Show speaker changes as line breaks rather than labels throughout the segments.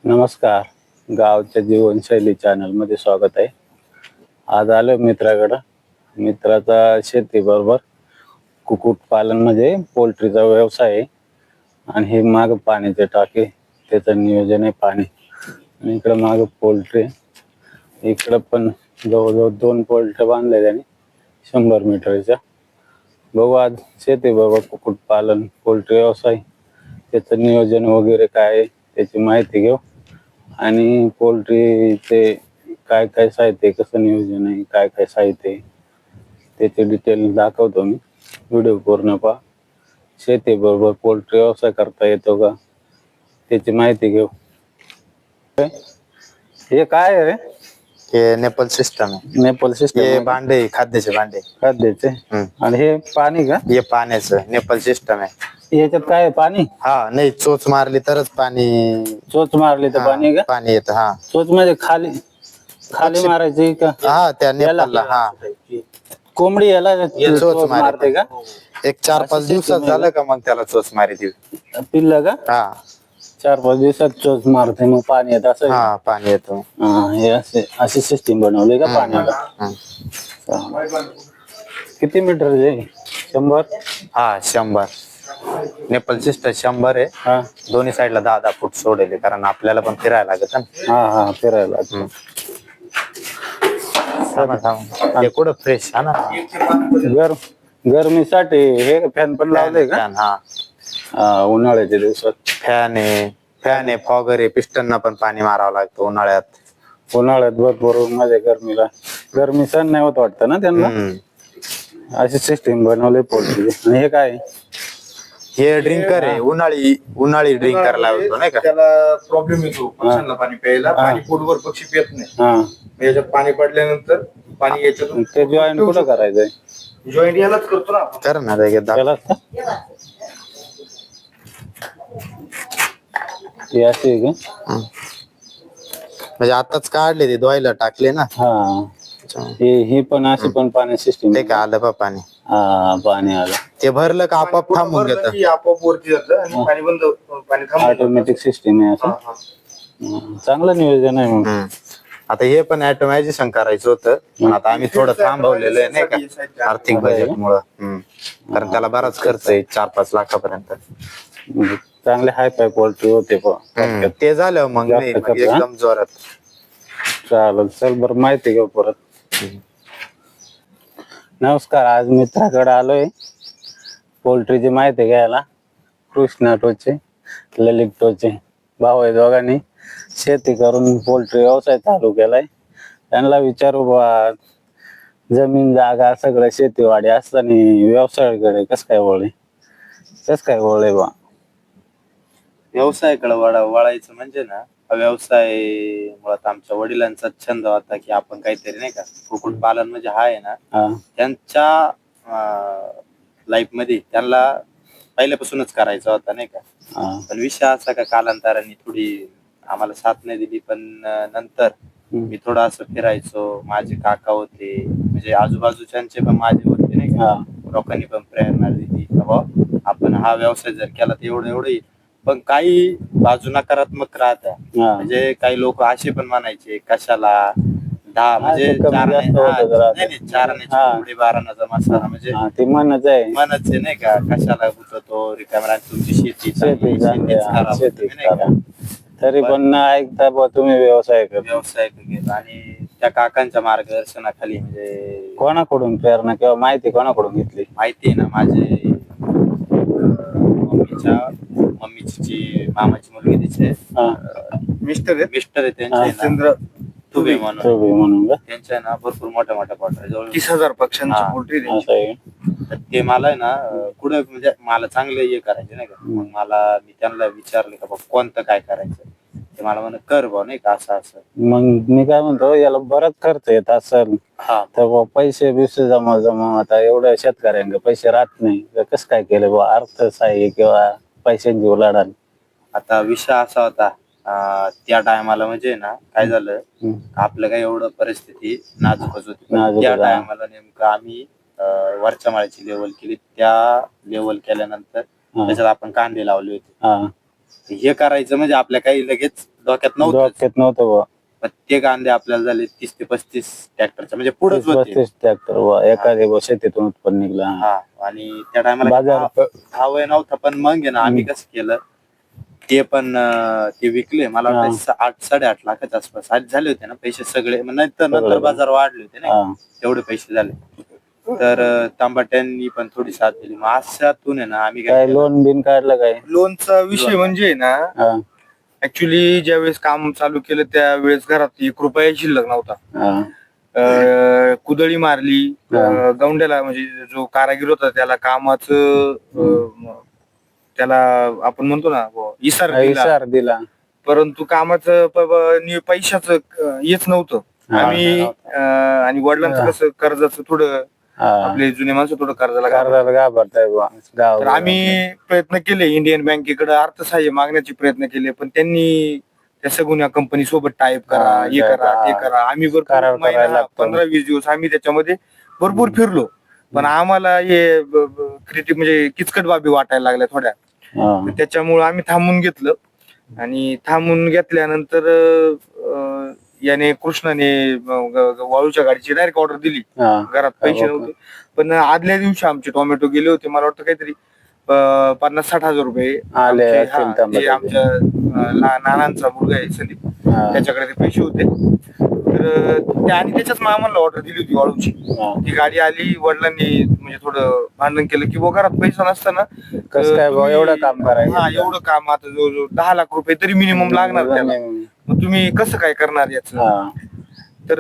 नमस्कार. गावच्या जीवनशैली चॅनल मध्ये स्वागत आहे. आज आलो मित्राकडं. मित्राचा शेती बरोबर कुक्कुट पालन म्हणजे पोल्ट्रीचा व्यवसाय आहे. आणि हे माग पाण्याचे टाके, त्याचं नियोजन आहे पाणी. आणि इकडं माग पोल्ट्री, इकडं पण जवळजवळ 2 पोल्ट्री बांधले त्याने 100 मीटरच्या. बघू आज शेती बरोबर कुक्कुट पालन पोल्ट्री व्यवसाय, त्याचं नियोजन वगैरे काय आहे त्याची माहिती घेऊ. आणि पोल्ट्रीचे काय काय साहित्य, कसं नियोजन आहे, काय काय साहित्य आहे त्याचे डिटेल दाखवतो मी. व्हिडिओ पूर्ण पहा. शेती बरोबर पोल्ट्री व्यवसाय करता येतो का त्याची माहिती घेऊ. हे काय आहे रे?
हे नेपल सिस्टम आहे.
नेपल
हे
सिस्टम
भांडे, खाद्याचे भांडे.
खाद्याचे. आणि हे पाणी का?
हे पाण्याचं नेपल सिस्टम आहे.
याच्यात काय आहे? पाणी?
हा, नाही चोच मारली तरच पाणी.
चोच मारली तर पाणी का?
पाणी येत. हा,
चोच म्हणजे खाली खाली मारायची का?
हा त्या नेपाळला. हा,
कोंबडी याला
चोच
मारते का?
एक 4-5 दिवसात झालं का मग त्याला चोच मारी ती.
पिल्लं का?
हा
4-5 दिवसात चोच मारते, मग पाणी येत असं.
हा, पाणी येतो.
हे अशी सिस्टीम बनवली का पाण्याला? किती मीटर आहे? 100?
हा 100. नेपल सिस्टम 100 आहे.
हा
दोन्ही साईडला 10-10 फूट सोडले, कारण आपल्याला पण फिरायला लागत ना.
हा फिरायला.
हे कुठं फ्रेश. हा ना,
गरमीसाठी हे फॅन पण लावले का?
हा,
उन्हाळ्याच्या दिवसात
फॅन आहे, फॉगर आहे. पिस्टनना पण पाणी मारावं लागतं उन्हाळ्यात.
उन्हाळ्यात भरपूर माझ्या गरमी सण नाही होत वाटतं ना त्यांना. अशी सिस्टीम बनवली पोल्ट्री. आणि हे काय?
हे ड्रिंकर आहे. उन्हाळी ड्रिंकर लावतो नाही का.
त्याला प्रॉब्लेम येतो पक्ष्यांना पाणी प्यायला. पाणी पोटभर पक्षी पित नाही. याच्यात पाणी पडल्यानंतर पाणी याच्यातून
ते जॉईंट कुठं करायचंय?
जॉईंट यालाच करतो ना आपण.
कर ना
त्याला हे अशी आहे का?
म्हणजे आताच काढले ते धुवायला टाकले ना.
हा, ही पण अशी पण पाणी सिस्टीम.
ते का आलं बा पाणी.
हा, पाणी आलं.
ते भरलं का आपोआप थांबून
भरलं
घेत.
की आपोआप वरती जातं आणि पाणी बंद, पाणी थांबून
ऑटोमॅटिक सिस्टीम आहे असं. चांगलं नियोजन आहे मग.
आता हे पण ऑटोमॅटिझेशन करायचं होतं, पण आता आम्ही थोडं थांबवलेलं आहे नाही का, आर्थिक बजेट मुळे. कारण त्याला बराच खर्च आहे, 4-5 लाखापर्यंत.
चांगले हाय फाय क्वालिटी होते.
ते झालं मग नाही, मग एकदम जोरात.
चालेल, चल बरं माहिती घेऊ परत. नमस्कार. आज मित्राकडे आलोय पोल्ट्रीची माहिती घ्यायला. कृष्णा टोचे, ललित टोचे भाऊ आहे. दोघांनी शेती करून पोल्ट्री व्यवसाय चालू केलाय. त्यांना विचारू बा, जमीन जागा सगळं शेतीवाडी असताना व्यवसायाकडे कस काय वळले बा?
व्यवसायाकडे वळायचं म्हणजे ना, हा व्यवसाय मुळात आमच्या वडिलांचा छंद होता की आपण काहीतरी नाही का, कुक्कुट पालन म्हणजे हा आहे ना, त्यांच्या लाईफ मध्ये त्यांना पहिल्यापासूनच करायचा होता नाही का. पण विषय असा का कालांतराने थोडी आम्हाला साथ नाही दिली. पण नंतर मी थोडं असं फिरायचो. माझे काका होते, म्हणजे आजूबाजूच्यांचे पण माझे होते नाही का. लोकांनी पण प्रेरणा दिली बाबा आपण हा व्यवसाय जर केला तर एवढं येईल. पण काही बाजू नकारात्मक राहत्या. म्हणजे काही लोक असे पण म्हणायचे कशाला 10 म्हणजे 12 मसाला म्हणजे
ते मनच आहे
नाही का, कशाला गुततो रिकाम्या तुमची शेती
तरी पण ऐकता बा तुम्ही व्यवसाय
केला. आणि त्या काकांच्या मार्गदर्शनाखाली म्हणजे
कोणाकडून प्रेरणा किंवा माहिती कोणाकडून घेतली?
माहिती आहे ना, माझे मम्मीची जी मामाची मुलगी तिचे मिस्टर आहे त्यांचे तुबे म्हणून त्यांच्या ना भरपूर मोठ्या प्लॉट आहे. जवळ
30,000 पक्ष्यांची पोल्ट्री.
तर ते मला आहे ना कुठं म्हणजे मला चांगलं हे करायचे नाही का. मग मी त्यांना विचारले का कोणतं काय करायचं. ते मला म्हण कर बा नाही का असं.
मग मी काय म्हणतो, याला बराच खर्च येत असेल तर पैसे बिसे जमा आता एवढ्या शेतकऱ्यांना पैसे राहत नाही, कसं काय केलं बा अर्थसहाय्य किंवा पैशांची उलाढाल?
आता विषय असा होता त्या टायमाला म्हणजे ना काय झालं, आपलं काय एवढं परिस्थिती नाजूकच होती. त्या टायमाला नेमकं आम्ही वरच्या माळ्याची लेवल केली. त्या लेवल केल्यानंतर त्याच्यात आपण कांदे लावले होते. हे करायचं म्हणजे आपल्या काही लगेच डोक्यात नव्हतं
डोक्यात नव्हतं बुवा.
पण ते कांदे आपल्याला झाले 30 ते 35 ट्रॅक्टरच्या म्हणजे पुढेच होते
35 ट्रॅक्टर एखाद्या बुवा शेतीतून उत्पन्न निघलं.
हा आणि त्या टायमाला
बाजार
भाव नव्हता पण मग आहे ना आम्ही कसं केलं ते पण ते विकले मला वाटतं 8-8.5 लाखाच्या आसपास आज झाले होते ना पैसे सगळे मग नंतर बाजार वाढले होते ना तेवढे पैसे झाले तर तांबाट्यांनी पण थोडी साथ दिली मग अशातून आहे ना आम्ही
काय लोन बिन काढलं काय?
लोनचा विषय म्हणजे ना ऍक्च्युली ज्यावेळेस काम चालू केलं त्यावेळेस घरात 1 रुपया शिल्लक नव्हता. कुदळी मारली गौंड्याला म्हणजे जो कारागीर होता त्याला कामाचं त्याला आपण म्हणतो ना इसार दिला परंतु कामाचं पैशाचं हेच नव्हतं आम्ही आणि वडिलांचं कसं कर्जाचं थोडं आपले जुने माणसं थोडं कर्जाला
घाबरताय
तर आम्ही प्रयत्न केले इंडियन बँकेकडे अर्थसहाय्य मागण्याचे प्रयत्न केले पण त्यांनी त्या सगुन्या कंपनी सोबत टाईप करा हे करा ते करा आम्ही 15-20 दिवस आम्ही त्याच्यामध्ये भरपूर फिरलो पण आम्हाला हे म्हणजे किचकट बाबी वाटायला लागल्या थोड्या त्याच्यामुळे आम्ही थांबून घेतलं आणि थांबून घेतल्यानंतर याने कृष्णाने वाळूच्या गाडीची डायरेक्ट ऑर्डर दिली घरात पैसे नव्हते पण आदल्या दिवशी आमचे टोमॅटो गेले होते मला वाटतं काहीतरी 50-60 हजार रुपये आमच्या नानांचा मुलगा आहे संदीप त्याच्याकडे ते पैसे होते तर आणि त्याच्याच मामाला ऑर्डर दिली होती वाळूची ती गाडी आली वडिलांनी म्हणजे थोडं भांडण केलं की घरात पैसा नसताना
कसं काय एवढं काम करायचं
एवढं काम आता जवळजवळ 10 लाख रुपये तरी मिनिमम लागणार त्याला मग तुम्ही कसं काय करणार याचं तर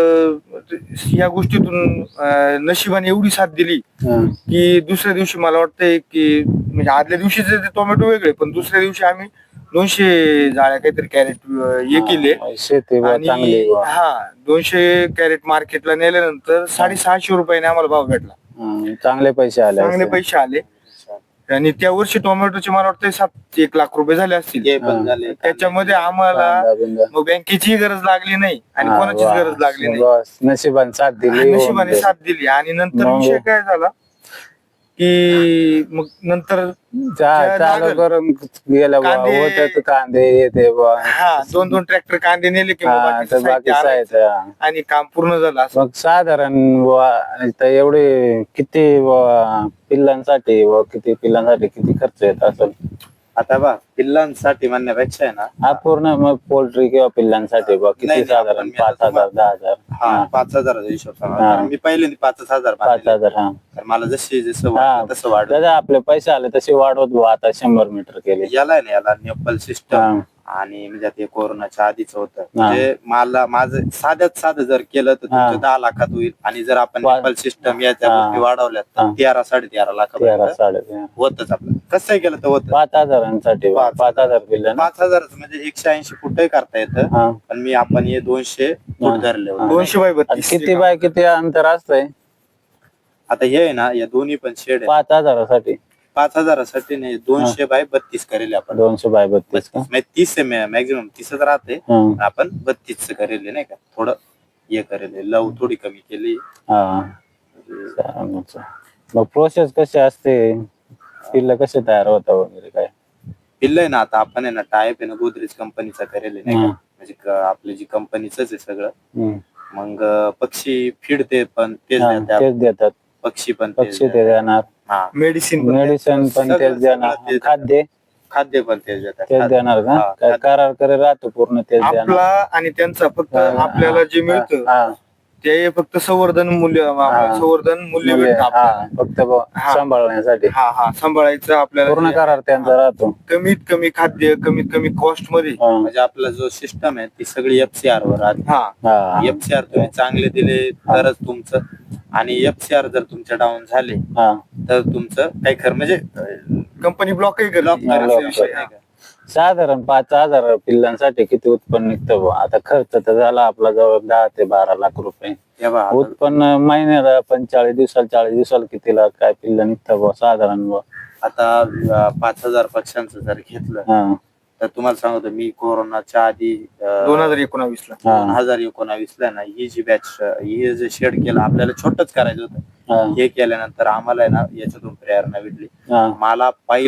या गोष्टीतून नशिबाने एवढी साथ दिली की दुसऱ्या दिवशी मला वाटतंय की म्हणजे आदल्या दिवशीचे ते टोमॅटो वेगळे पण दुसऱ्या दिवशी आम्ही 200 जाळ्या काहीतरी कॅरेट हे केले आणि 200 कॅरेट मार्केटला नेल्यानंतर 650 रुपयाने आम्हाला भाव भेटला
चांगले पैसे आले
आणि त्या वर्षी टोमॅटोचे मला वाटतं 1 लाख रुपये झाले असतील त्याच्यामध्ये आम्हाला मग बँकेचीही गरज लागली नाही आणि कोणाचीच गरज लागली नाही नशिबाने साथ दिली आणि नंतर विषय काय झाला की मग नंतर
चालू करून गेलं कांदे येते
2 ट्रॅक्टर कांदे नेले की आणि काम पूर्ण झालं
मग साधारण एवढे किती पिल्लांसाठी किती खर्च येत असेल
आता पिल्लांसाठी म्हणण्यापेक्षा आहे ना
पूर्ण मग पोल्ट्री किंवा पिल्लांसाठी किती साधारण 5,000 10,000
5,000 हिशोब सांगा मी पहिले 5,000 मला जसं तसं वाढत
आपले पैसे आले तसे वाढवत आता 100 मीटर केले
याला नेपल सिस्टम आणि म्हणजे ते कोरोनाच्या आधीच होतं म्हणजे मला माझं साधं जर केलं तर तुमचं 10 लाखात होईल आणि जर आपण नेपल सिस्टम याच्या गोष्टी वाढवल्या तर 13-13.5 लाख होतच आपलं कसं केलं तर होतं
5,000
5,000 म्हणजे 180 फूटही करता येतं पण आपण हे 200 फूट धरले
200 बाय 32
किती बाय किती अंतर असतंय
आता हे आहे ना या दोन्ही पण शेड
5,000साठी
नाही 200 बाय 32 करेल आपण
200 बाय 32
30 मॅक्झिमम 30च राहते आपण 32 करेल नाही का थोडं हे करेल लव थोडी कमी केली
मग प्रोसेस कशी असते पिल्ल कसे तयार होता वगैरे काय
पिल्ल आहे ना आता आपण आहे ना टायप आहे ना गोदरेज कंपनीचा करेल नाही का म्हणजे आपली जी कंपनीच आहे सगळं मग पक्षी फीड ते पण तेच
देतात पक्षी ते देणार मेडिसिन पण तेच देणार
खाद्य पण तेच
देणार का काय करार करे राहतो पूर्ण तेच
आपला आणि त्यांचा फक्त आपल्याला जे मिळतं ते फक्त संवर्धन मूल्य भेटतं
फक्त सांभाळण्यासाठी
सांभाळायचं आपल्याला
पूर्ण करार त्यांचा राहतो
कमीत कमी खाद्य कमीत कमी कॉस्ट मध्ये
म्हणजे आपला जो सिस्टम आहे ती सगळी FCR वर राहते FCR तुम्ही चांगले दिले तरच तुमचं आणि FCR जर तुमचे डाऊन झाले तर तुमचं काही खरं म्हणजे
कंपनी ब्लॉकही करते
साधारण 5,000 पिल्लांसाठी किती उत्पन्न निघतं आता खर्च तर झाला आपला जवळ 10 ते 12 लाख रुपये उत्पन्न महिन्याला 40 दिवसाला कितीला काय पिल्ला निघतं साधारण
आता 5,000 पक्ष्यांचं जर घेतलं तर तुम्हाला सांगतो मी कोरोनाच्या आधी 2019ला ना ही जी बॅच हे जे शेड केलं आपल्याला छोटच करायचं होतं हे केल्यानंतर आम्हाला आहे ना याच्यातून प्रेरणा भेटली मला पहिला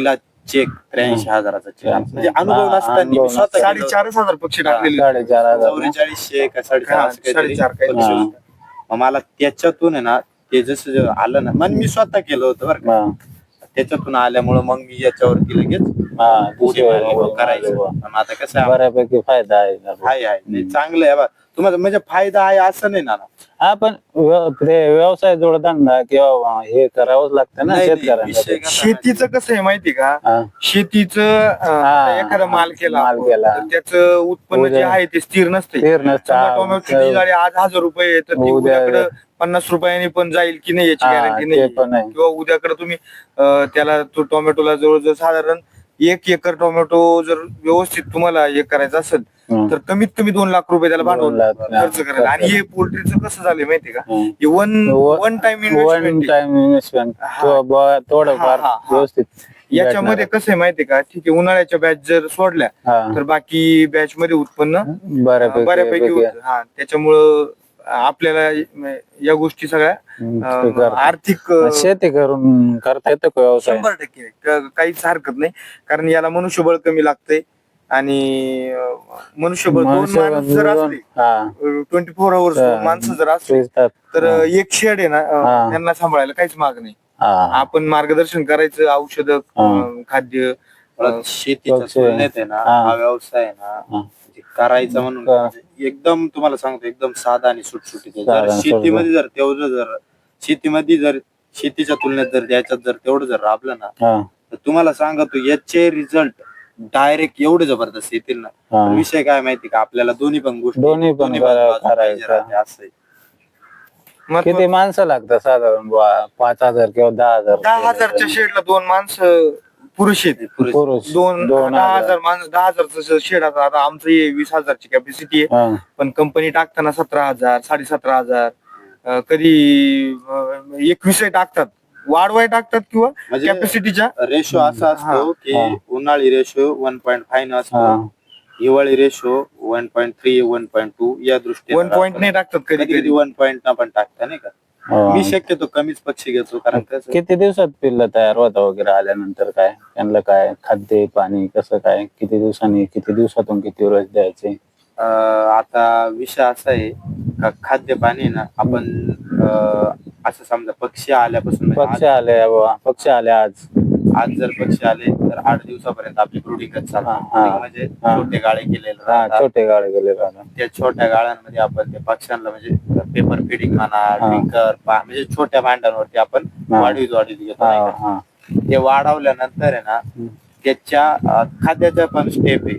चेक 83,000चा चेक म्हणजे अनुभव
हा,
नसताना
अनुभव
मी स्वतः
नसताना.
गेलो.
4,500 पक्षी टाकलेले
4,500
4400 का 4,500
हा,
असं काहीतरी
4,500 काहीतरी.
पक्षी
हा.
होते. मग मला त्याच्यातून आहे ना ते जसं जे आलं ना मग मी स्वतः केलं होतं बरं का.
हा.
त्याच्यातून आल्यामुळं मग मी याच्यावरती लगेच
हा,
उडी
दुसरं
मारली,
उडी
करायचं.
मारली.
पण आता कसं आहे,
बऱ्यापैकी फायदा आहे
आहे नाही चांगलं आहे बा. तुम्हाला म्हणजे फायदा आहे असं नाही ना.
हा, पण ते व्यवसाय जोडधंदा किंवा हे करावंच लागतं ना
नाही, नाही,
शेतकऱ्यांना.
विषय कसा आहे
शेतीचं कसं आहे माहिती का,
हा.
शेतीचं आता एखादा माल केला
माल
आपण,
केला.
तर त्याचं उत्पन्न जे
उद्या-
आहे ते स्थिर नसते.
स्थिर नसतं.
समजा
हा,
टोमॅटोची गाडी आज 1,000 रुपये आहे, तर ती
उद्या-
उद्याकडे 50 रुपयाने पण जाईल की नाही याची
हा,
गॅरंटी
ते
नाही.
पण आहे.
किंवा उद्याकडे तुम्ही त्याला तो टोमॅटोला जवळजवळ साधारण 1 एकर टोमॅटो जर व्यवस्थित तुम्हाला हे करायचं असेल
हम्म.
तर कमीत कमी 2 लाख रुपये त्याला
2
भांडवल
लाख,
खर्च करायला. आणि हे पोल्ट्रीचं कसं झालंय माहिती का,
हम्म.
हे one time
one
investment.
Time investment
हा.
थोडंफार
हा, हा, हा.
व्यवस्थित
याच्यामध्ये कसं आहे माहितीये का, ठीक आहे उन्हाळ्याच्या बॅच जर सोडल्या
हा.
तर बाकी बॅच मध्ये उत्पन्न बऱ्यापैकी
बऱ्यापैकी
होतं. हा, त्याच्यामुळं आपल्याला या गोष्टी सगळ्या
ते करता.
आर्थिक
शेती करून करता येतं का व्यवसाय?
100% काहीच हरकत नाही. कारण याला मनुष्यबळ कमी लागतंय आणि मनुष्यबळ 2 माणूस जर असले,
हा.
24 आवर्स
हा.
माणसं जर असले
शिजतात.
तर
हा.
एक शेड आहे ना,
हा.
त्यांना सांभाळायला काहीच माग नाही.
हा.
आपण मार्गदर्शन करायचं, औषध, खाद्य,
शेतीच्या
पक्ष-
तुलनेत आहे ना
हा.
हा व्यवसाय आहे ना
हा.
म्हणजे करायचा म्हणून
का-
म्हणजे एकदम तुम्हाला सांगतो एकदम साधा आणि सुटसुटीत आहे.
साधा
जर
आणि
शेतीमध्ये जर तेवढं जर शेतीमध्ये जर शेतीच्या तुलनेत जर त्याच्यात जर तेवढं जर राबलं ना
हा.
तर तुम्हाला सांगतो याचे रिझल्ट डायरेक्ट एवढे जबरदस्त येतील ना.
हा.
पण विषय काय माहिती का, आपल्याला दोन्ही पण गोष्टी
दोन्ही पण
बाजू पाहिजे
करायचं.
राहते असं आहे.
किती माणसं लागतात साधारण 5,000 किंवा 10,000?
10,000च्या शेडला 2 माणसं पुरुष आहेत.
पुरुष
10,000 माणसं, 10,000चं शेड. आता आमचं हे 20,000ची कॅपॅसिटी आहे,
हा.
पण कंपनी टाकताना 17,000, 17,500, कधी 21 टाकतात. वाढवाय टाकतात किंवा
म्हणजे
कॅपॅसिटीच्या
रेशो असा असतो की
हा.
उन्हाळी रेशो 1.5 असतो,
हा.
हिवाळी रेशो 1.3 1.2 या दृष्टीने
1 पॉईंट नाही टाकतात कधी
कधी
कधी.
1 पॉईंट पण टाकता नाही का.
हा.
मी शक्यतो कमीच पक्षी घेतो कारण कसं
किती दिवसात पिल्ल तयार होता वगैरे आल्यानंतर काय त्यांना काय खाद्य पाणी कसं काय, किती दिवसांनी, किती दिवसातून किती वेळेस द्यायचे?
आता विषय असा आहे का खाद्य पाणी ना आपण असं समजा पक्षी आल्यापासून म्हणजे
पक्षी आले बाबा, पक्षी आले आज.
आज जर पक्षी आले तर 8 दिवसापर्यंत आपली ब्रुडिंगच चालते.
हा, हा.
Brooding म्हणजे
हा.
छोटे गाळे केलेले
हा,
राहतात.
छोटे गाळे गेले राहतात.
त्या छोट्या गाळ्यांमध्ये आपण त्या पक्ष्यांना म्हणजे पेपर फिडिंग म्हणा,
हा.
ड्रिंकर म्हणजे छोट्या भांड्यांवरती आपण
हा.
वाढवीत घेतो
हा.
नाही का.
हा.
ते वाढवल्यानंतर आहे ना त्याच्या खाद्याच्या पण स्टेप आहे.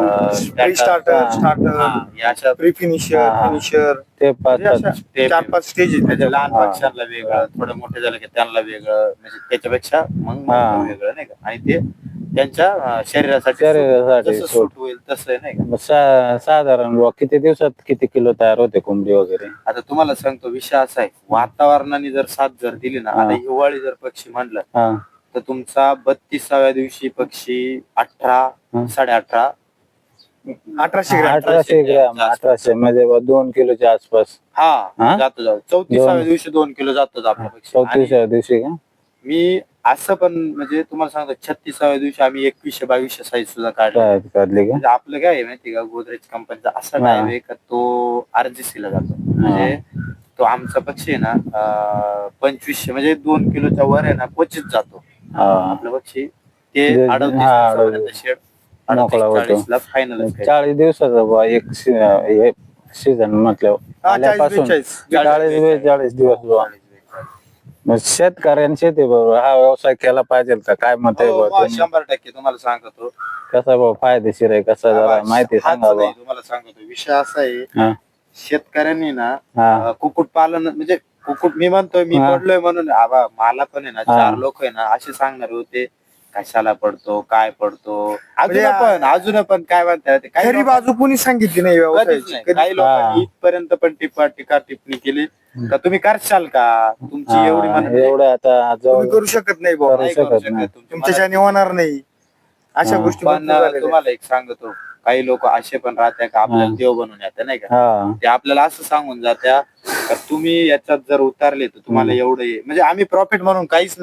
स्टार्टर, प्री फिनिशर,
हा.
फिनिशर,
ते 5
4-5 स्टेज आहेत.
म्हणजे लहान
हा.
पक्ष्यांना वेगळं, थोडं मोठे झालं की त्यांना वेगळं, म्हणजे त्याच्यापेक्षा मग
हा.
मोठं वेगळं नाही का. आणि ते त्यांच्या शरीरासाठी
शरीरासाठी
जसं सूट होईल तसं आहे नाही का.
साधारण बुवा किती दिवसात किती किलो तयार होते कोंबडी वगैरे?
आता तुम्हाला सांगतो विषय असा आहे, वातावरणाने जर साथ जर दिली ना,
हा.
आता हिवाळी जर पक्षी म्हणलं
हा.
तर तुमचा 32व्या दिवशी पक्षी 18 18.5
1800 ग्रॅम.
1800 ग्रॅम, 1800 म्हणजे 2 किलोच्या आसपास.
हा
हा?
जातो 34व्या दिवशी 2 किलो जातो आपला पक्षी. आणि
34व्या दिवशी का?
मी असं पण म्हणजे तुम्हाला सांगतो 36व्या दिवशी आम्ही 2100-2200 साईज सुद्धा काढला.
काढली का?
म्हणजे आपलं काय आहे माहिती का, गोदरेज कंपनीचा असा
हा.
टाईप आहे का तो RGC ला जातो. म्हणजे तो आमचा पक्षी आहे ना 2500 म्हणजे 2 किलोच्या वर आहे ना क्वचित जातो
हा.
आपलं पक्षी. ते
हा,
38 शेड
मोकळा होतो.
40 ला फायनल
40 दिवसाचा बुवा एक सीझन म्हटल्यावर आल्यापासून 40-42 दिवस बुवा. मग शेतकऱ्यांनी शेती बरोबर हा व्यवसाय केला पाहिजे का काय मत आहे बुवा तुम्ही?
100% तुम्हाला सांगतो.
कसा बाबा फायदेशीर आहे, कसा जरा माहिती
हाच
सांगा
नाही,
बुवा.
तुम्हाला सांगतो विषय असा आहे
हा.
शेतकऱ्यांनी ना
हा.
कुक्कुट पालन म्हणजे कुक्कुट मी म्हणतोय मी
हा.
पडलोय म्हणून आबा मला पण आहे ना
हा.
4 लोक आहे ना असे सांगणार होते कशाला पडतो काय पडतो
म्हणजे
अजून पण काय म्हणतात काही
खरी बाजू कोणी सांगितली नाही
कधीच
व्यवसायाची.
नाही. काही लोकांनी इथपर्यंत पण टीका टिप्पणी केली का तुम्ही करशाल का तुमची एवढी
हा,
म्हणजे
एवढं आता
तुम्ही
जवळ
करू शकत नाही बुवा,
करू
नाही करू
शकत
शकत
नाही.
तुमची
तुमच्याच्याने होणार नाही, अशा
हा.
गोष्टी
पण
भरपूर झालेल्या आहेत.
तुम्हाला एक सांगतो काही लोक असे पण राहते का आपल्याला देव बनवून येते नाही का.
हा.
ते आपल्याला असं सांगून जात्या का तुम्ही याच्यात जर उतारले तर तुम्हाला एवढं म्हणजे आम्ही प्रॉफिट म्हणून काहीच नाही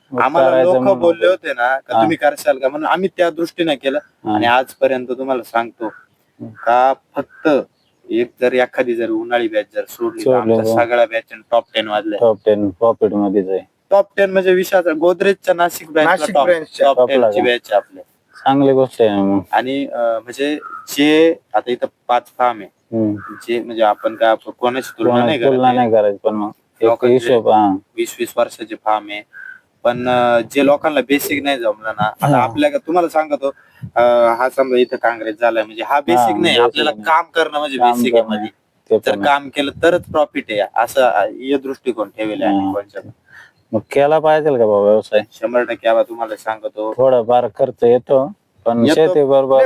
आम्हाला
करायचं
लोक
म्हणून
बोलले होते ना का
हा.
तुम्ही करशाल का म्हणून आम्ही त्या दृष्टीने केलं.
हा.
आणि आजपर्यंत तुम्हाला सांगतो का फक्त एक जर एखादी जर उन्हाळी बॅच जर सोडली तर
सोडली,
आमच्या
हो.
सगळ्या बॅच टॉप 10 वाजल्या.
टॉप 10 प्रॉफिट मध्येच आहे.
टॉप 10 म्हणजे विषयाचा गोदरेजच्या नाशिक
नाशिक
बँक
branch च्या
टॉप
top
10
ला
ची
का?
बॅच आपल्या.
चांगली गोष्ट आहे ना मग.
आणि म्हणजे जे आता इथं 5 फार्म आहे
हम्म.
जे म्हणजे आपण काय कोणाची तुलना नाही
तुलना
करत
नाही करायची पण मग एक
लोकांचे
हिशोब. हा
20-20 वर्षाचे फार्म आहे. पण जे लोकांना बेसिक नाही जमलं ना आता
हा.
आपल्या तुम्हाला सांगतो हा समजा इथं काँग्रेस झालाय म्हणजे हा बेसिक नाही
basic
आपल्याला
नाही.
काम करणं म्हणजे
काम
बेसिक आहे
करणं.
मध्ये.
ते
जर
पण आहे.
काम केलं तरच प्रॉफिट आहे असं हे दृष्टिकोन ठेवले
हा.
आम्ही कोणच्या
मग केला पाहिजे का बाबा व्यवसाय.
100% आबा तुम्हाला सांगतो
थोडाफार खर्च येतो पण
येतो.
शेती बरोबर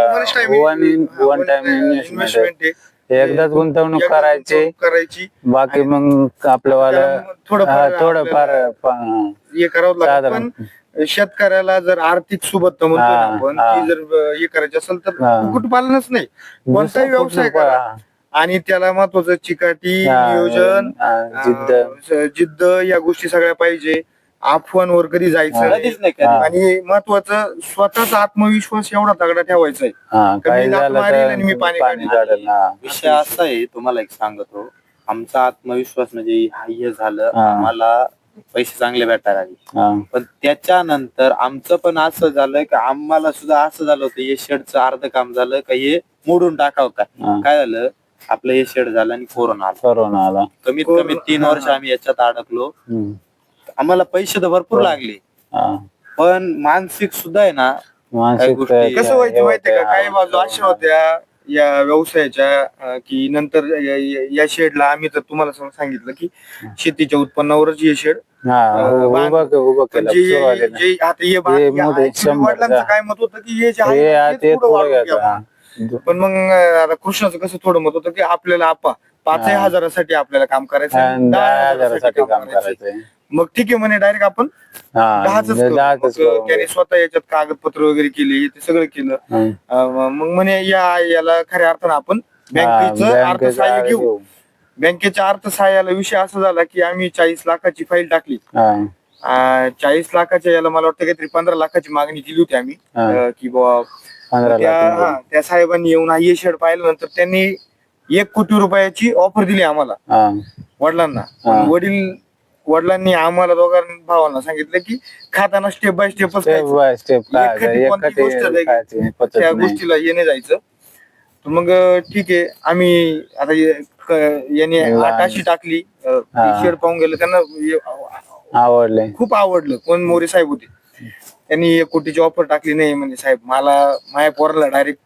वन टाइम इन्व्हेस्टमेंट
आहे.
एकदाच गुंतवणूक
एकदा
करायची.
गुंतवणूक करायची
बाकी मग आपल्यावाला
त्याला थोडंफार
थोडंफार
हे करावं लागतं.
साधारण.
पण शेतकऱ्याला जर आर्थिक सुबत्ता म्हणतो ना
हा,
आपण
हा.
ती जर हे करायची असेल तर
हा.
कुक्कुटपालनच नाही कोणताही व्यवसाय करा. आणि त्याला महत्वाचं चिकाटी नियोजन जिद्द या गोष्टी सगळ्या पाहिजे. अफवांवर कधी जायचं
कधीच नाही कधी.
आणि महत्वाचं स्वतःचा आत्मविश्वास एवढा तगडा ठेवायचा आहे.
काही
मी लाथ
झालं
मारील
तर
आणि मी पाणी काढीन.
काढेल. हा.
विषय असा आहे तुम्हाला एक सांगतो आमचा आत्मविश्वास म्हणजे हे झालं
हा.
आम्हाला पैसे चांगले भेटायला लागले.
हा.
पण त्याच्यानंतर आमचं पण असं झालं की आम्हाला सुद्धा असं झालं होतं हे शेडचं अर्ध काम झालं का हे मोडून टाकावं का.
हा.
काय झालं आपलं हे शेड झालं आणि कोरोना आला.
कोरोना आला.
कमीत कमी 3 वर्ष आम्ही याच्यात अडकलो.
हम्म.
आम्हाला पैसे तर भरपूर लागले
हा.
पण मानसिक सुद्धा आहे ना
मानसिक
गोष्टी-
कसं व्हायचं माहितीये का
हा.
काही बाजू अशा होत्या या व्यवसायाच्या की नंतर या शेडला आम्ही तर तुम्हाला सांगितलं की शेतीच्या उत्पन्नावरच हे शेड
हा, उभं केलं सुरुवातीला.
जे आता हे
हे मोठे 100
वडिलांचं काय मत होतं की हे जे
हे
आहे ना,
ते
तेच पुढं
पुढे
वाढवून
घ्यायचं.
घ्यावं.
हा.
पण मग आता कृष्णाचं कसं थोडं मत होतं की आपल्याला 5,000
हा.
हजारासाठी आपल्याला काम करायचं
आणि
आणि
10,000साठी काम
करायचं.
करायचंय.
मग ठीक आहे म्हणे डायरेक्ट आपण
हा,
10च करू.
दहाच
मग
करू.
त्याने स्वतः याच्यात कागदपत्र वगैरे केली ते सगळं केलं.
हा.
मग म्हणे याला खऱ्या अर्थानं आपण बँकेचं
बँकेचं
अर्थसहाय्य घेऊ. बँकेच्या अर्थसहाय्याला विषय असा झाला की आम्ही 40 लाखाची फाईल टाकली.
हा.
40 लाखाच्या याला मला वाटतं काहीतरी 15 लाखाची मागणी केली होती आम्ही
हा.
की बाबा
15 लाख.
त्या साहेबांनी येऊन हे शेड पाहिलं नंतर त्यांनी 1 कोटी रुपयाची ऑफर दिली आम्हाला
हा.
वडिलांना.
हा.
वडिलांनी आम्हाला दोघांना भावांना सांगितलं की खाताना स्टेप बाय स्टेपच
स्टेप बाय स्टेप
एखादी कोणती गोष्ट त्या गोष्टीला येणे जायचं. तर मग ठीक आहे आम्ही आता याने आठ अशी टाकली शेड पाहून गेलं त्यांना
आवडले.
खूप आवडलं. कोण मोरे साहेब होते त्यांनी 1 कोटीची ऑफर टाकली. नाही म्हणजे साहेब मला माझ्या पोराला डायरेक्ट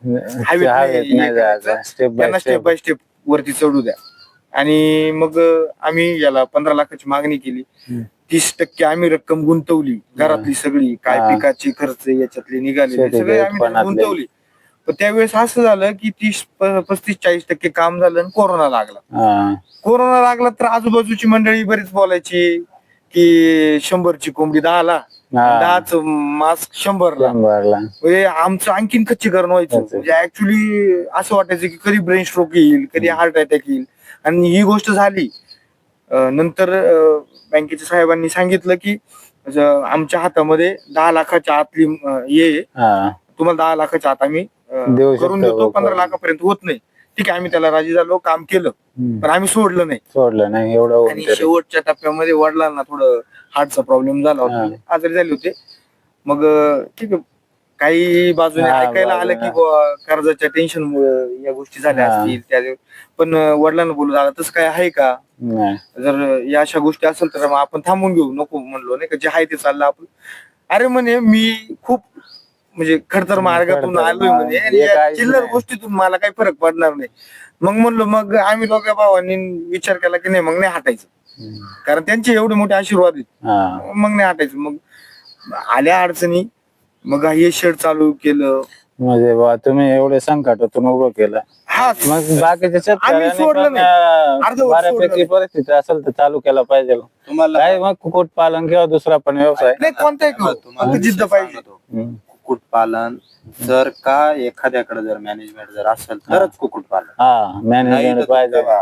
त्यांना स्टेप बाय स्टेप वरती चढू द्या. आणि मग आम्ही याला 15 लाखाची मागणी केली. 30% आम्ही रक्कम गुंतवली घरातली सगळी काय पिकाचे खर्च याच्यातले निघाले सगळे आम्ही त्यात गुंतवली. पण त्यावेळेस असं झालं की 30-35-40% काम झालं आणि कोरोना लागला. कोरोना लागला तर आजूबाजूची मंडळी बरीच बोलायची की 100ची कोंबडी 10ला 10च मास्क 100ला. म्हणजे आमचं आणखीन खच्चीकरण व्हायचं. म्हणजे ऍक्च्युली असं वाटायचं की कधी ब्रेन स्ट्रोक येईल कधी हार्ट अटॅक येईल. आणि ही गोष्ट झाली. नंतर बँकेच्या साहेबांनी सांगितलं की आमच्या हातामध्ये 10 लाखाच्या आतली ये तुम्हाला 10 लाखाच्या आत आम्ही करून देतो. 15 लाखापर्यंत होत नाही. ठीक आहे आम्ही त्याला राजी झालो काम केलं पण आम्ही सोडलं नाही
एवढं.
आणि शेवटच्या टप्प्यामध्ये वडिलांना थोडं हार्टचा प्रॉब्लेम झाला होता. आजारी झाले होते. मग ठीक आहे काही बाजूने ऐकायला आलं की कर्जाच्या टेन्शनमुळे या गोष्टी झाल्या असतील त्या. पण वडिलांना बोलू झालं तसं काय आहे का जर या अशा गोष्टी असेल तर आपण थांबून घेऊ नको म्हणलो नाही का जे आहे ते चाललं आपण. अरे म्हणे मी खूप म्हणजे खडतर मार्गातून आलोय म्हणे चिल्लर गोष्टीतून मला काही फरक पडणार नाही. मग म्हणलो मग आम्ही दोघ्या भावांनी विचार केला की नाही मग नाही हटायचं कारण त्यांचे एवढे मोठे आशीर्वाद आहेत. मग नाही हटायचं. मग आल्या अडचणी मग हे शेड चालू केलं.
म्हणजे तुम्ही एवढे संकटातून उभं केलं. मग बाकीच्या बऱ्यापैकी परिस्थिती असेल तर चालू केला पाहिजे तुम्हाला. काय मग कुक्कुटपालन किंवा दुसरा पण व्यवसाय
नाही कोणताही जिद्द पाहिजे.
कुक्कुटपालन जर का एखाद्याकडे जर मॅनेजमेंट जर असेल तरच कुक्कुटपालन.
मॅनेजमेंट पाहिजे.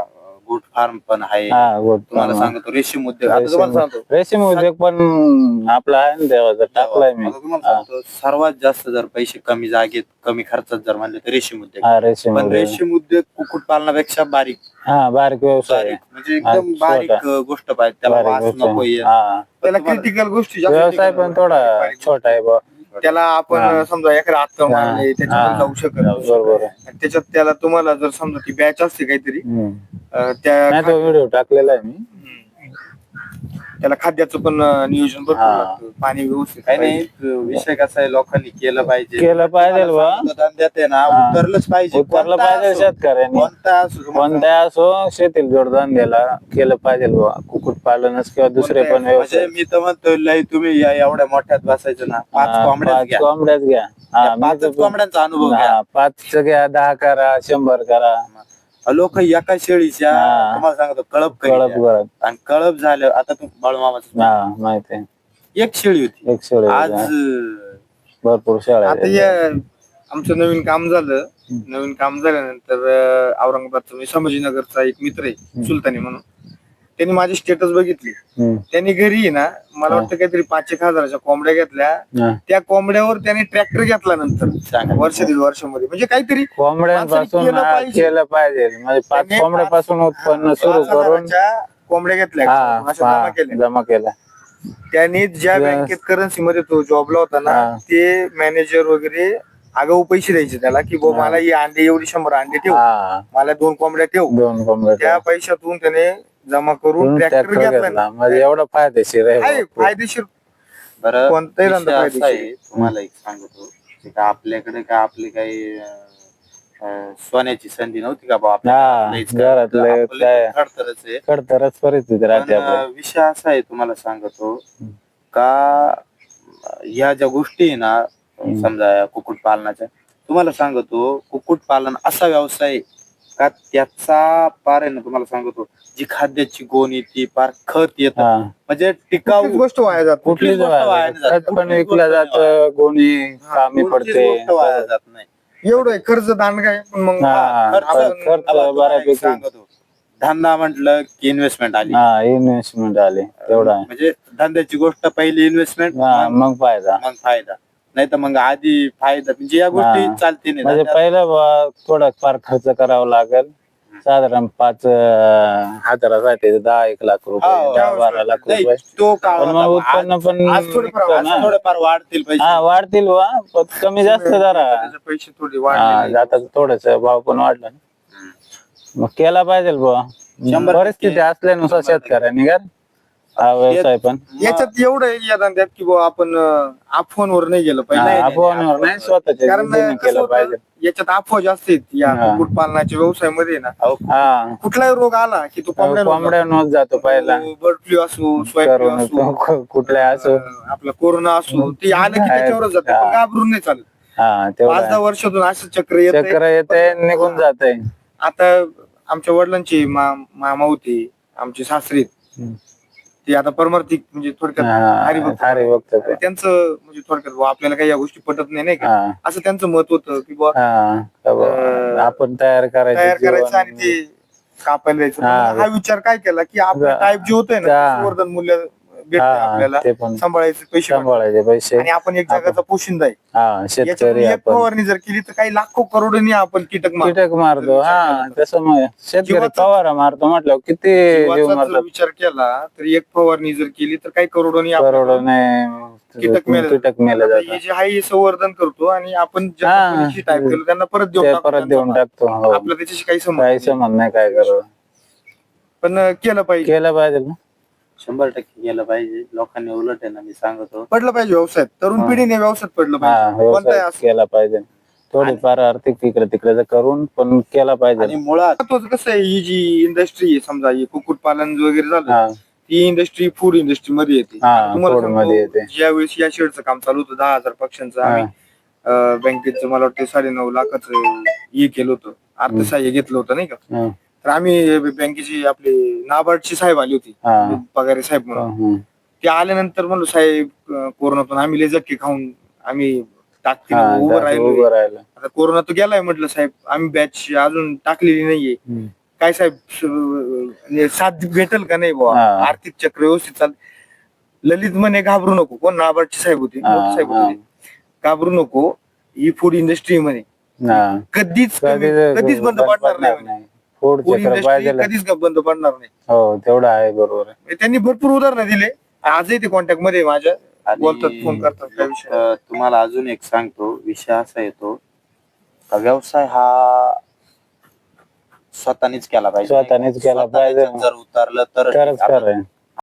गोट फार्म पण आहे.
हा गोट
तुम्हाला
फार्म.
सांगतो रेशीम उद्योग. आता तुम्हाला सांगतो
रेशीम उद्योग पण आपला आहे ना देवाचा, टाकलाय मी.
आता तुम्हाला सांगतो सर्वात जास्त जर पैसे कमी जागेत कमी खर्चात जर म्हणले तर रेशीम उद्योग.
हा रेशीम
पण
उद्योग.
रेशीम उद्योग कुक्कुटपालनापेक्षा बारीक
हा बारीक व्यवसाय आहे.
म्हणजे एकदम
छोटा.
बारीक गोष्ट पाहिजे, त्याला
बारीक
वास
व्यवसाय.
नको येत.
हा
त्याला क्रिटिकल गोष्टी जास्त
व्यवसाय पण थोडा छोटा आहे बा.
त्याला आपण
हा.
समजा एखादा हात मारले त्याच्यामध्ये
हा.
जाऊ शकत नाही.
बरोबर आहे.
आणि त्याच्यात त्याला तुम्हाला जर समजा ती बॅच असते काहीतरी त्या
नाही तो व्हिडिओ टाकलेला आहे मी.
त्याला खाद्याचं पण नियोजन भरपूर
हा.
लागतं, पाणी व्यवस्थित
काही
पाहिजे.
नाही, विषय कसा आहे, लोकांनी केलं पाहिजे.
केलं पाहिजे बा.
तुम्हाला सांगतो, धंद्यात आहे ना
हा.
उतरलंच पाहिजे.
उतरलं
कोणता
पाहिजे
असो,
शेतकऱ्यांनी.
कोणता असो, तुम्हाला
कोणत्या असो शेतील जोडधंद्याला केलं पाहिजे बा. कुक्कुट पालनच किंवा दुसरे पण
म्हणजे
व्यवसाय.
मी तर म्हणतो लय तुम्ही एवढ्या मोठ्यात बसायचं ना, 5 कोंबड्याच घ्या.
कोंबड्याच घ्या.
त्या 5 कोंबड्यांचा अनुभव घ्या.
5 घ्या, 10 करा, 100 करा.
लोक एका शेळीच्या
हा.
तुम्हाला सांगतो कळप
कळप
करीत
करत.
आणि कळप झालं. आता तू बाळूमामाचं
हा माहिती आहे.
एक शेळी होती,
एक शेळी
आज
भरपूर शेळ्या
आता
आहेत.
आमचं नवीन काम झालं. नवीन काम झाल्यानंतर औरंगाबादचा मी संभाजीनगरचा एक मित्र आहे सुलतानी म्हणून, त्यांनी माझी स्टेटस बघितली. त्यांनी घरी आहे ना, मला वाटतं काहीतरी 5,000 कोंबड्या घेतल्या.
हा.
त्या कोंबड्यावर त्याने ट्रॅक्टर घेतला नंतर
सांगा.
वर्ष दीड वर्षामध्ये. म्हणजे काहीतरी
कोंबड्यांपासून
केलं पाहिजे.
केलं पाहिजे. म्हणजे 5
त्यांनी
कोंबड्यापासून उत्पन्न सुरू करून
5,000च्या कोंबड्या घेतल्या, अशा जमा केल्या.
जमा केला.
त्यांनी ज्या बँकेत करन्सी मध्ये तो जॉबला होता ना,
हा.
ते मॅनेजर वगैरे आगाऊ पैसे द्यायचे त्याला, की बो मला ही अंडे एवढी 100 अंडे ठेव,
हा.
मला 2 कोंबड्या ठेव.
2 कोंबड्या
त्या पैशातून त्याने जमा करून ट्रॅक्टर
ट्रॅक्टर
घेतला.
घेतला. म्हणजे एवढं फायदेशीर आहे
आहे
बा.
फायदेशीर.
बरं
कोणताही
विषय
धंदा
असा
फायदेशीर
आहे, तुम्हाला एक सांगतो की का आपल्याकडे का आपली काही सोन्याची संधी नव्हती का बा
हा, घरातले काय
खडतरच आहे.
खडतरच परिस्थिती राहते
पण
आपल्या.
विषय असा आहे, तुम्हाला सांगतो का ह्या ज्या गोष्टी आहे ना, समजा कुक्कुट पालनाच्या, तुम्हाला सांगतो कुक्कुट पालन असा व्यवसाय आहे का त्याचा पार आहे ना, तुम्हाला सांगतो जी खाद्याची गोण येते पार खत येत,
हा.
म्हणजे टिकाऊ
कुठलीच गोष्ट वाया जात नाही.
कुठलीच
गोष्ट वाया नाही जात.
खत पण
कुठलीच
विकलं
गोष्ट
जातं, गोणी कामी
कोणतीच
पडते.
गोष्ट वाया जात नाही.
एवढं आहे, खर्च दांडगा आहे, पण मग
हा,
खर्च-
खर्च
आता तुम्हाला एक
बऱ्यापैकी.
सांगतो, धंदा म्हटलं की इन्व्हेस्टमेंट आली.
हा इन्व्हेस्टमेंट आले तेवढा आहे.
म्हणजे धंद्याची गोष्ट पहिली इन्व्हेस्टमेंट,
हा, मग फायदा.
मग फायदा. नाही तर मग आधी फायदा, म्हणजे या गोष्टी
हा.
चालते नाही.
म्हणजे पहिलं थोडा फार खर्च करावा लागेल. साधारण 5,000साठी 10-1 लाख रुपये,
हा,
10-12 लाख
नाही,
रुपये.
तो काळ
पण मग
होता.
उत्पन्न पण
आज थोडंफार-
निघतं ना.
थोडेफार वाढतील पैसे.
हा वाढतील वा, पण कमी जास्त जरा.
त्याचे पैसे थोडे
हा,
वाढले.
आता थोडस भाव पण वाढला ना. मग केला पाहिजे बुवा.
100%
परिस्थिती असल्यानुसार शेतकऱ्यांनी का हा व्यवसाय पण
याच्यात एवढं आहे या धंद्यात की बुवा आपण अफवांवर नाही गेलं पाहिजे.
अफवांवर नाही, स्वतःच्या
कारण
बुद्धीने
कसं
केलं
होतं,
पाहिजे.
याच्यात अफवा जास्त आहेत या
हा.
कुक्कुटपालनाच्या व्यवसायामध्ये ना.
हा,
कुठलाही रोग आला की तो
कोंबड्यांवर जातो पहिला.
बर्ड फ्लू असो, स्वाईन फ्लू असो,
कुठल्या असो.
आपला कोरोना असो, ते आलं की त्याच्यावरच जाते, पण घाबरून नाही चालत.
हा तेवढा
5-10 वर्षातून असं चक्र येत.
चक्र येते निघून जाते.
आता आमच्या वडिलांचे मामा होते, आमचे सासरे, ते आता परमार्थिक म्हणजे थोडक्यात हरिभक्त.
हरिभक्त ते.
त्यांचं म्हणजे थोडक्यात बुवा आपल्याला काही या गोष्टी पटत नाही का,
हा.
असं त्यांचं मत होतं की बुवा
आपण तयार
तयार करायचं
करायचं
आणि ते कापायला द्यायचं.
हा.
पण हा विचार काय केला की आपलं टाईप जे होतंय ना,
हा.
संवर्धन मूल्य भेटतंय आपल्याला,
ते पण
सांभाळायचे पैसे भेटतात.
सांभाळायचे पैसे.
आणि आपण एक जगाचा पोशिंदा आहे.
हा शेतकरी
याच्यातून एक
आपण
फवारणी जर केली तर काही लाखो करोडोनी आपण कीटक मारतो.
कीटक मारतो. हा त्याच्यामुळे शेतकरी
जीवाचं-
फवारा मारतो म्हटलं किती जीव
जीवाचा जर
मारतात.
विचार केला तर एक फवारणी जर केली तर काही करोडोनी
करोडोने
कीटक मेले
कीटक मेले
हे
जातात.
जे आहे हे संवर्धन करतो आणि आपण ज्या
हा.
कंपनीची टाईप केलं त्यांना परत देऊन
ते
टाकतो
परत देऊन
त्यांचा
टाकतो.
माल.
हो.
आपलं त्याच्याशी काही संबंध
काही
नाही.
संबंध नाही काय करू.
पण केलं पाहिजे,
केलं पाहिजे ना.
100% केलं पाहिजे. लोकांनी उलट आहे ना, मी सांगतो
पडलं पाहिजे व्यवसायात. तरुण
हा.
पिढीने व्यवसायात पडलं
हा
पाहिजे. कोणताही
व्यवसाय
असो.
केला पाहिजे. थोडीफार आर्थिक इकडे तिकडे करून पण केला
आणि
पाहिजे.
मुळात
महत्वाचं कसं आहे, ही जी इंडस्ट्री आहे समजा ही कुक्कुटपालन वगैरे झालं,
हा
ती इंडस्ट्री फूड इंडस्ट्री मध्ये येते.
हा,
आता तुम्हाला
food मध्ये
सांगतो,
येते.
ज्यावेळेस या शेडचं काम चालू होतं 10,000 पक्ष्यांचं, आम्ही बँकेचं मला वाटतं 9.5 लाखाचं हे केलं होतं, अर्थसहाय्य घेतलं होतं नाही का.
हा,
तर आम्ही बँकेची आपले नाबार्डची साहेब आली होती,
हा.
पगारी साहेब म्हणून.
हम्म.
ते आल्यानंतर म्हणलो साहेब कोरोनातून आम्ही लय झटके खाऊन आम्ही टाकतील
हा,
उभं
उभं
राहिलो.
राहिलं.
आता कोरोना तो गेलाय म्हटलं साहेब, आम्ही बॅच अजून टाकलेली नाहीये.
हम्म.
काय साहेब म्हणजे साथ भेटेल का नाही बुवा,
हा.
आर्थिक चक्र व्यवस्थित चाल. ललित म्हणे घाबरू नको, कोण नाबार्डचे साहेब होते, मोठे साहेब होते ते. घाबरू नको, ही फूड इंडस्ट्री मध्ये कधीच कधीच बंद पडणार नाही.
फूड
फूड
चक्र
इंडस्ट्री
पाहिजे.
कधीच बंद पडणार नाही.
हो तेवढं आहे, बरोबर आहे.
त्यांनी भरपूर उदाहरणं दिले, आजही ते कॉन्टॅक्ट मध्ये आहे माझ्या,
आणि
बोलतात, फोन करतात त्या विषयावर.
तुम्हाला अजून एक सांगतो, विषय असा येतो का व्यवसाय हा स्वतःनेच केला पाहिजे.
स्वतःनेच केला
स्वतः
पाहिजे.
त्याच्यात जर उतरलं तर
तरच खरं आहे.